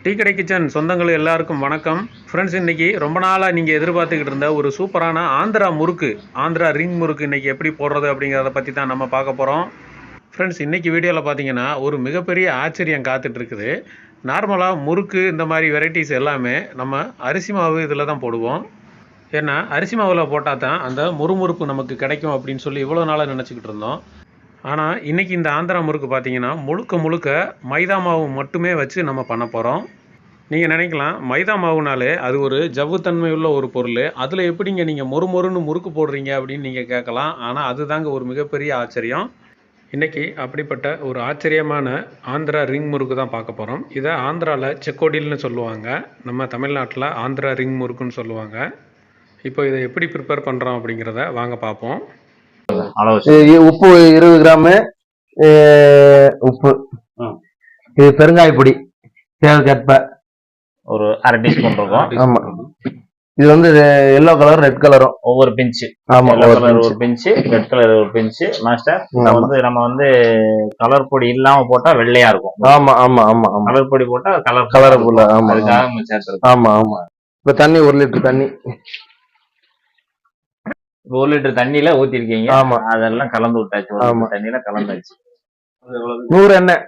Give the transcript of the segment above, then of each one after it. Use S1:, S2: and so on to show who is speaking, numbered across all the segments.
S1: Tea கடை kitchen சொந்தங்கள் எல்லாருக்கும் வணக்கம். ஃப்ரெண்ட்ஸ், இன்றைக்கி ரொம்ப நாளாக நீங்கள் எதிர்பார்த்துக்கிட்டு இருந்த ஒரு சூப்பரான ஆந்திரா முறுக்கு, ஆந்திரா ரிங் முறுக்கு இன்றைக்கி எப்படி போடுறது அப்படிங்கிறத பற்றி தான் நம்ம பார்க்க போகிறோம். ஃப்ரெண்ட்ஸ், இன்றைக்கி வீடியோவில் பார்த்தீங்கன்னா ஒரு மிகப்பெரிய ஆச்சரியம் காத்துட்ருக்குது. நார்மலாக முறுக்கு இந்த மாதிரி வெரைட்டிஸ் எல்லாமே நம்ம அரிசி மாவு இதில் தான் போடுவோம். ஏன்னா அரிசி மாவில் போட்டால் தான் அந்த முறுமுறுப்பு நமக்கு கிடைக்கும் அப்படின்னு சொல்லி இவ்வளோ நாளாக நினச்சிக்கிட்டு இருந்தோம். ஆனால் இன்றைக்கி இந்த ஆந்திரா முறுக்கு பார்த்தீங்கன்னா முழுக்க முழுக்க மைதா மாவு மட்டுமே வச்சு நம்ம பண்ண போகிறோம். நீங்கள் நினைக்கலாம், மைதா மாவுனாலே அது ஒரு ஜவ்வுத்தன்மை உள்ள ஒரு பொருள், அதில் எப்படிங்க நீங்கள் மொறுன்னு முறுக்கு போடுறீங்க அப்படின்னு நீங்கள் கேட்கலாம். ஆனால் அதுதாங்க ஒரு மிகப்பெரிய ஆச்சரியம். இன்றைக்கி அப்படிப்பட்ட ஒரு ஆச்சரியமான ஆந்திரா ரிங் முறுக்கு தான் பார்க்க போகிறோம். இதை ஆந்திராவில் செக்கோடில்னு சொல்லுவாங்க, நம்ம தமிழ்நாட்டில் ஆந்திரா ரிங் முறுக்குன்னு சொல்லுவாங்க. இப்போ இதை எப்படி ப்ரிப்பேர் பண்ணுறோம் அப்படிங்கிறத வாங்க பார்ப்போம்.
S2: உப்பு 20 கிராமு, உப்பு, இது பெருங்காய பொடி தேவைக்கேற்ப
S3: ஒரு அரை டீஸ்பூன் இருக்கும்.
S2: ஆமா, இது வந்து எல்லோ கலர் ரெட் கலரும்
S3: ஒவ்வொரு பிஞ்சு.
S2: ஆமா,
S3: ஒரு பிஞ்சு ரெட் கலர் ஒரு பிஞ்சு. மாஸ்டர், வந்து நம்ம வந்து கலர் பொடி இல்லாம போட்டா வெள்ளையா இருக்கும்.
S2: ஆமா ஆமா ஆமா,
S3: கலர் பொடி போட்டா
S2: கலர் புல்ல.
S3: ஆமா, அதுக்காக நம்ம சேர்த்துருக்கோம்.
S2: ஆமா ஆமா. இப்ப தண்ணி 1 லிட்டர் தண்ணி,
S3: 1 லிட்டர் தண்ணியில ஊத்திருக்கீங்க.
S2: ஆமா,
S3: அதெல்லாம் கலந்து விட்டாச்சு. தண்ணியில கலந்தாச்சு.
S2: 100 எண்ணெய்,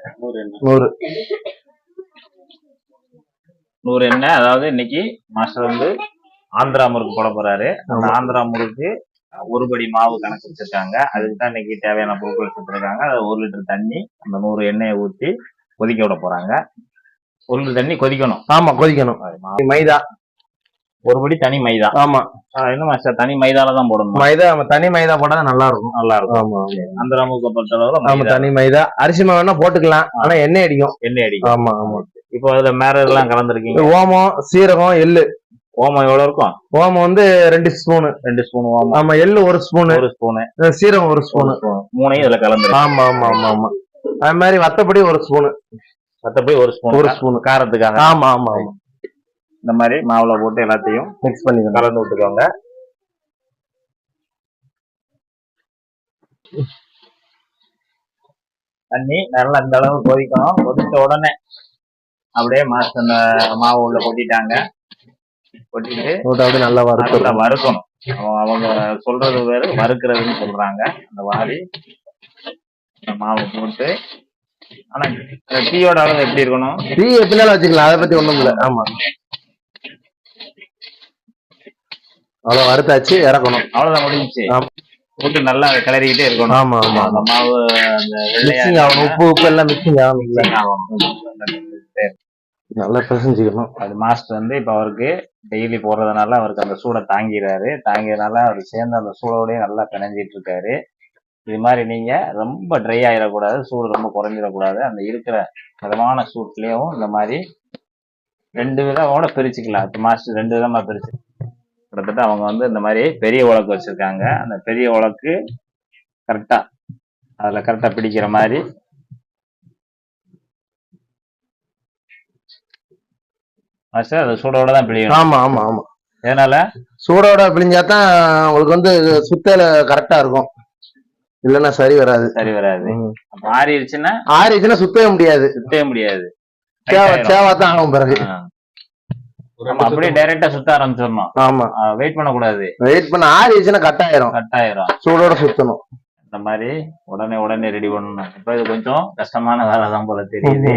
S3: 100 எண்ணெய். அதாவது இன்னைக்கு மாஸ்டர் வந்து ஆந்திரா முறுக்கு போட போறாரு. அந்த ஆந்திரா முறுக்கு ஒரு படி மாவு கணக்கு வச்சிருக்காங்க. அதுக்கு தான் இன்னைக்கு தேவையான பொருட்கள் வச்சிருக்காங்க. அது 1 லிட்டர் தண்ணி, அந்த 100 எண்ணெயை ஊற்றி கொதிக்க விட போறாங்க. 1 லிட்டர் தண்ணி கொதிக்கணும்.
S2: ஆமா, கொதிக்கணும். மைதா
S3: 1 படி தனி மைதா.
S2: ஆமா,
S3: என்ன மாஸ்டர், தனி மைதால தான் போடணும்.
S2: மைதா தனி மைதா போட்டா நல்லா இருக்கும்.
S3: ஆமா, ஆந்திரா முறுக்கு பொறுத்த அளவுல
S2: தனி மைதா. அரிசி மாவு வேணா போட்டுக்கலாம், ஆனா எண்ணெய் அடிக்கும். ஆமா ஆமா.
S3: இப்போ அதுல மேல எல்லாம் கலந்துருக்கீங்க.
S2: ஓமம், சீரகம், எள்ளு.
S3: ஓமம் எவ்வளவு இருக்கும்?
S2: ஓமம் வந்து 2 ஸ்பூனு.
S3: 2 ஸ்பூன் ஓமம்.
S2: ஆமா, எள்ளு 1 ஸ்பூனு. சீரகம் 1 ஸ்பூனு.
S3: மூணையும் இதுல கலந்து.
S2: ஆமா ஆமா ஆமா ஆமா. அது மாதிரி வத்தப்பொடி 1 ஸ்பூனு.
S3: வத்தப்பொடி 1 ஸ்பூன் காரத்துக்காக.
S2: ஆமா ஆமா ஆமா.
S3: இந்த மாதிரி மாவுல போட்டு எல்லாத்தையும்
S2: மிக்ஸ் பண்ணி
S3: கலந்து விட்டுக்கோங்க. தண்ணி நல்லா இந்த அளவு கொதிக்கணும். கொதிச்ச உடனே அப்படியே மாஸ்டர் மாவு உள்ள கொட்டிட்டாங்க. கொட்டிட்டு அப்படியே நல்லா வறுக்கணும். அவங்க சொல்றது வேறு, வறுக்கிறதுன்னு சொல்றாங்க. அந்த வாரி மாவு போட்டு. ஆனா டீயோட அளவு எப்படி இருக்கணும்?
S2: டீ எப்படினாலும் வச்சுக்கலாம், அதை பத்தி ஒண்ணும் இல்லை. ஆமா, அவ்வளவு வறுத்தாச்சு, இறக்கணும்.
S3: அவ்வளவுதான், முடிஞ்சிச்சு. போட்டு நல்லா கிளறிக்கிட்டே இருக்கணும்.
S2: ஆமா ஆமா.
S3: அந்த மாவு அந்த
S2: மிக்சிங் ஆகணும், உப்பு எல்லாம் மிக்சிங் ஆகணும். நல்லா பிசைஞ்சுக்கணும்.
S3: அது மாஸ்டர் வந்து இப்ப அவருக்கு டெய்லி போடுறதுனால அவருக்கு அந்த சூடை தாங்கிறதுனால அவர் சேர்ந்து அந்த சூடோடய நல்லா பிணைஞ்சிட்டு இருக்காரு. இது மாதிரி நீங்க ரொம்ப ட்ரை ஆயிடக்கூடாது, சூடு ரொம்ப குறைஞ்சிடக்கூடாது. அந்த இருக்கிற மிதமான சூட்லயும் இந்த மாதிரி 2 விதமோட பிரிச்சுக்கலாம். இப்ப மாஸ்டர் 2 விதமா பிரிச்சு கிட்டத்தட்ட அவங்க வந்து இந்த மாதிரி பெரிய உலக்கு வச்சிருக்காங்க. அந்த பெரிய உலக்கு கரெக்டா அதுல கரெக்டா பிடிக்கிற மாதிரி மாஸ்டர் அது சூடோட தான் பிழியணும்.
S2: ஆமா ஆமா ஆமா.
S3: அதனால
S2: சூடோட பிழிஞ்சாதான் உங்களுக்கு வந்து சுத்தல கரெக்டா இருக்கும், இல்லன்னா சரி வராது. ஆறிடுச்சுன்னா சுத்தவே முடியாது. சேவாத்தான் ஆகும் பிறகு.
S3: அப்படியே டைரக்டா சுத்த ஆரம்பிச்சிடணும்.
S2: ஆமா,
S3: வெயிட் பண்ணக்கூடாது.
S2: வெயிட் பண்ண ஆறிடுச்சுன்னா கட்டாயிரும். சூடோட சுத்தணும்.
S3: இந்த மாதிரி உடனே ரெடி பண்ணணும். இப்ப இது கொஞ்சம் கஷ்டமான வேலை தான் போல தெரியுது.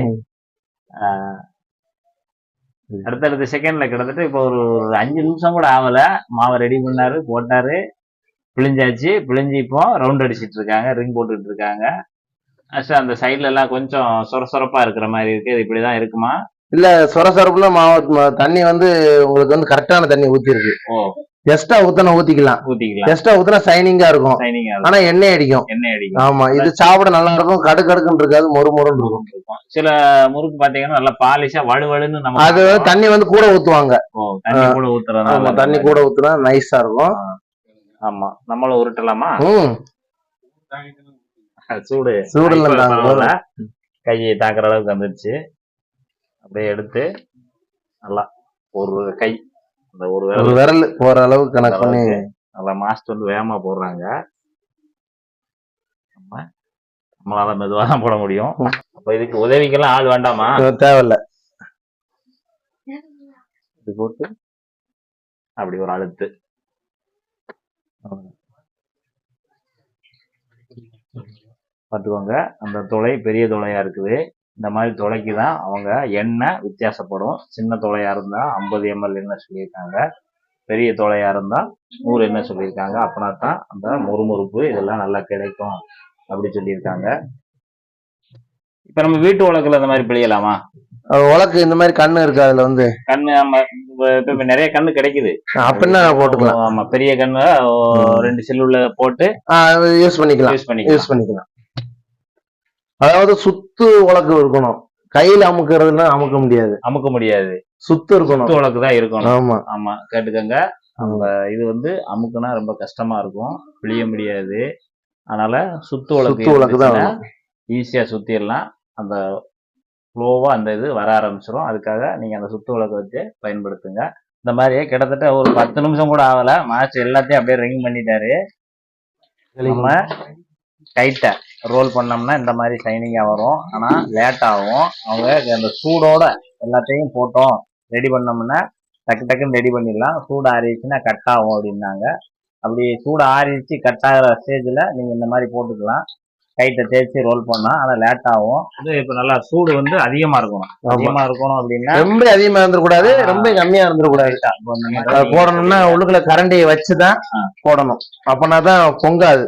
S3: அடுத்தடுத்த செகண்ட்ல கிட்டத்தட்ட இப்போ ஒரு 5 நிமிஷம் கூட ஆகல, மாவை ரெடி பண்ணாரு, போட்டாரு, பிழிஞ்சாச்சு. பிழிஞ்சு இப்போ ரவுண்ட் அடிச்சிட்டு இருக்காங்க, ரிங் போட்டுட்டு இருக்காங்க. அந்த சைட்ல எல்லாம் கொஞ்சம் சொரசொரப்பா இருக்கிற மாதிரி இருக்கு. இது இப்படிதான் இருக்குமா? இல்ல,
S2: சொரசொரப்புல மாவு தண்ணி வந்து உங்களுக்கு வந்து கரெக்டான தண்ணி ஊத்திருக்கு. எக்ஸ்ட்ரா ஊத்திக்கலாம். எக்ஸ்ட்ரா ஊத்தினா சைனிங்கா இருக்கும், ஆனா எண்ணெய் அடிக்கும். ஆமா, இது சாப்பிட நல்லா இருக்கும், கடுக்கடுக்குன்னு இருக்காது, மொறுன்னு இருக்கும்.
S3: சில முறுக்கு பாத்தீங்கன்னா நல்லா பாலிஷா வலுவலுன்னு நம்ம
S2: அது தண்ணி வந்து கூட ஊத்துவாங்க. தண்ணி கூட ஊத்துனா நைஸா இருக்கும்.
S3: ஆமா, நம்மளும் உருட்டலாமா? சூடு கையை தாக்குற அளவுக்கு வந்துருச்சு. அப்படியே எடுத்து நல்லா ஒரு கை, அந்த ஒரு
S2: விரல் போற அளவுக்கு கணக்கு பண்ணி
S3: நல்லா மாஸ்டர் வந்து வேகமா போடுறாங்க. நம்மளால மெதுவா தான் போட முடியும். அப்ப இதுக்கு உதவிக்கெல்லாம் ஆள் வேண்டாமா?
S2: தேவையில்ல.
S3: இப்படி போட்டு அப்படி ஒரு அழுத்து. பார்த்துக்கோங்க, அந்த துளை பெரிய துளையா இருக்குது. இந்த மாதிரி துளைக்கு தான் அவங்க எண்ணெய் வித்தியாசப்படும். சின்ன துளையா இருந்தா 50 ml எண்ணெய் சொல்லியிருக்காங்க, பெரிய துளையா இருந்தா 100 எண்ணெய் சொல்லியிருக்காங்க. அப்படின்னா தான் அந்த முறுமுறுப்பு இதெல்லாம் நல்லா கிடைக்கும் அப்படி சொல்லியிருக்காங்க. இப்ப நம்ம வீட்டு உலக்குல இந்த மாதிரி பிழியலாமா?
S2: உலக்கு இந்த மாதிரி கண்ணு இருக்கு, அதுல வந்து
S3: கண்ணு நம்ம இப்ப நிறைய கண்ணு கிடைக்குது,
S2: அப்படின்னா போட்டுக்கலாம்.
S3: ஆமா, பெரிய கண்ணு 2 செல்லுல போட்டு
S2: யூஸ் பண்ணிக்கலாம். அதாவது சுத்து உலக்கு இருக்கணும், கையில அமுக்குறதுன்னா அமுக்க முடியாது, சுத்து இருக்கணும்,
S3: சுத்து உலக்கு தான் இருக்கணும்.
S2: ஆமா
S3: ஆமா, கேட்டுக்கங்க. நம்ம இது வந்து அமுக்குனா ரொம்ப கஷ்டமா இருக்கும், பிழிய முடியாது. அதனால சுத்து உலக்கு தான் ஈஸியா சுத்திடலாம். அந்த ஃப்ளோவா அந்த இது வர ஆரம்பிச்சிடும். அதுக்காக நீங்க அந்த சுத்து உலக்கு வச்சு பயன்படுத்துங்க. இந்த மாதிரி கிட்டத்தட்ட ஒரு 10 நிமிஷம் கூட ஆகல, மாஸ்டர் எல்லாத்தையும் அப்படியே ரிங் பண்ணிட்டாரு. நம்ம டைட்டா ரோல் பண்ணோம்னா இந்த மாதிரி ஷைனிங்கா வரும். ஆனா லேட் ஆகும். அவங்க அந்த சூடோட எல்லாத்தையும் போட்டோம் ரெடி பண்ணோம்னா டக்கு டக்குன்னு ரெடி பண்ணிடலாம். சூடு ஆறிடுச்சுன்னா கட் ஆகும் அப்படின்னாங்க. அப்படி சூடு ஆறிடுச்சு கட் ஆகிற ஸ்டேஜ்ல நீங்க இந்த மாதிரி போட்டுக்கலாம். கைட்டை தேய்ச்சி ரோல் பண்ணா, ஆனா லேட் ஆகும். இது இப்ப நல்லா சூடு வந்து அதிகமா இருக்கணும். அப்படின்னா
S2: ரொம்ப அதிகமா இருந்துடக்கூடாது, ரொம்ப கம்மியா இருந்துடக்கூடாது. போடணும்னா உள்ளுக்குள்ள கரண்டியை வச்சுதான் போடணும், அப்பனாதான் பொங்காது.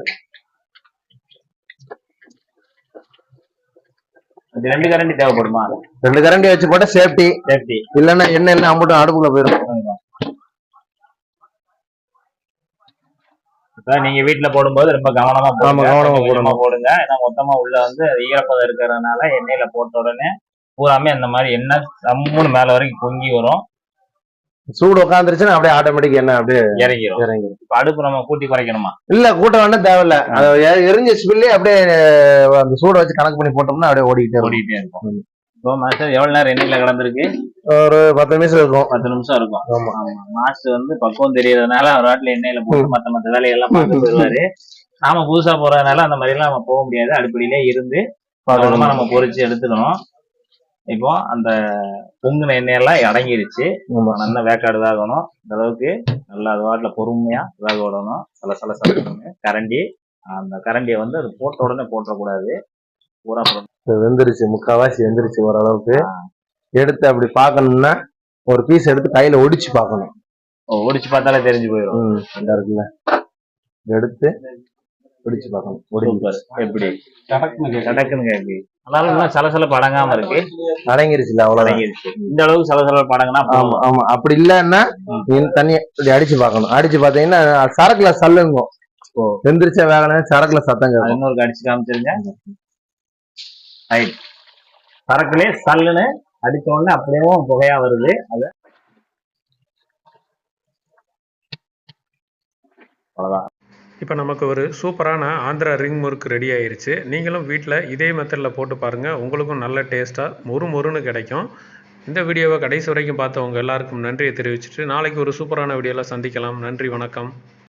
S3: 2 கரண்டி தேவைப்படுமா?
S2: 2 கரண்டி வச்சு போட்டா சேஃப்டி. இல்லன்னா எண்ணெய் எல்லாம் அம்பட்டும் அடுப்புக்குள்ள போயிடும்.
S3: நீங்க வீட்டுல போடும்போது ரொம்ப கவனமா போடுங்க. ஏன்னா மொத்தமா உள்ள வந்து ஈரப்பதம் இருக்கிறதுனால எண்ணெயில போட்ட உடனே பூராமே அந்த மாதிரி எண்ணெய் சம்முன்னு மேல வரைக்கும் பொங்கி வரும்.
S2: சூடு உட்காந்துருச்சுன்னா அப்படியே ஆட்டோமேட்டிக் எண்ணெய் அப்படியே
S3: இறங்கிடும். இப்ப அடுப்பு நம்ம கூட்டி குறைக்கணுமா?
S2: இல்ல, கூட்ட வேண்டாம், தேவையில்ல. எரிஞ்ச ஸ்பில்லே அப்படியே அந்த சூட வச்சு கணக்கு பண்ணி போட்டோம்னா அப்படியே ஓடிக்கிட்டே இருக்கும்.
S3: இப்போ மாஸ்டர் எவ்வளவு நேரம் எண்ணெயில கலந்துருக்கு?
S2: ஒரு 10 நிமிஷம் இருக்கும்.
S3: 10 நிமிஷம் இருக்கும். மாஸ்டர் வந்து பக்குவம் தெரியறதுனால அவர் வாட்டில எண்ணெயில போட்டு மத்த வேலையெல்லாம் பார்த்து போயிடுவாரு. நாம புதுசா போறதுனால அந்த மாதிரி எல்லாம் நம்ம போக முடியாது. அடுப்படியிலே இருந்து கவனமா நம்ம பொரிச்சு எடுத்துக்கணும். இப்போ அந்த பொங்குன எண்ணெயெல்லாம் அடங்கிருச்சு. நல்லா வேக்காடு வேகணும். இந்த அளவுக்கு நல்லா அது வாட்டில பொறுமையா வேக விடணும். சலசலன்னு கரண்டி, அந்த கரண்டியை வந்து அது போட்ட உடனே போட்டக்கூடாது. பூரா
S2: வெந்துருச்சு, முக்காவாசி வெந்துருச்சு ஓரளவுக்கு. எடுத்து அப்படி பார்க்கணும்னா ஒரு பீஸ் எடுத்து கையில ஒடிச்சு பார்க்கணும்.
S3: ஒடிச்சு பார்த்தாலே தெரிஞ்சு போயிடும்.
S2: இருக்குல்ல, எடுத்து ஒடிச்சு பார்க்கணும்.
S3: எப்படி கடக்குன்னு கேட்கு. அதனால சலசலப்பு அடங்காம இருக்கு.
S2: அடங்கிருச்சுல, அவ்வளவு அடங்கிருச்சு.
S3: இந்த அளவுக்கு சலசலப்பு அடங்கினா
S2: ஆமா. அப்படி இல்லன்னா தண்ணியை இப்படி அடிச்சு பார்க்கணும். அடிச்சு பார்த்தீங்கன்னா சரக்குல சல்லுங்கும். வெந்துருச்சா வேகணும், சரக்குல சத்தங்க.
S3: இன்னொரு அடிச்சு காமிச்சிருங்க. சரக்குலே சல்லுன்னு அடிச்ச உடனே அப்படியே புகையா வருது. அது அவ்வளவுதான்.
S1: இப்போ நமக்கு ஒரு சூப்பரான ஆந்திரா ரிங் முறுக்கு ரெடி ஆயிருச்சு. நீங்களும் வீட்டில் இதே மெத்தடில் போட்டு பாருங்கள், உங்களுக்கும் நல்ல டேஸ்ட்டாக மொறுன்னு கிடைக்கும். இந்த வீடியோவை கடைசி வரைக்கும் பார்த்தவங்க எல்லாருக்கும் நன்றியை தெரிவிச்சுட்டு நாளைக்கு ஒரு சூப்பரான வீடியோவில் சந்திக்கலாம். நன்றி, வணக்கம்.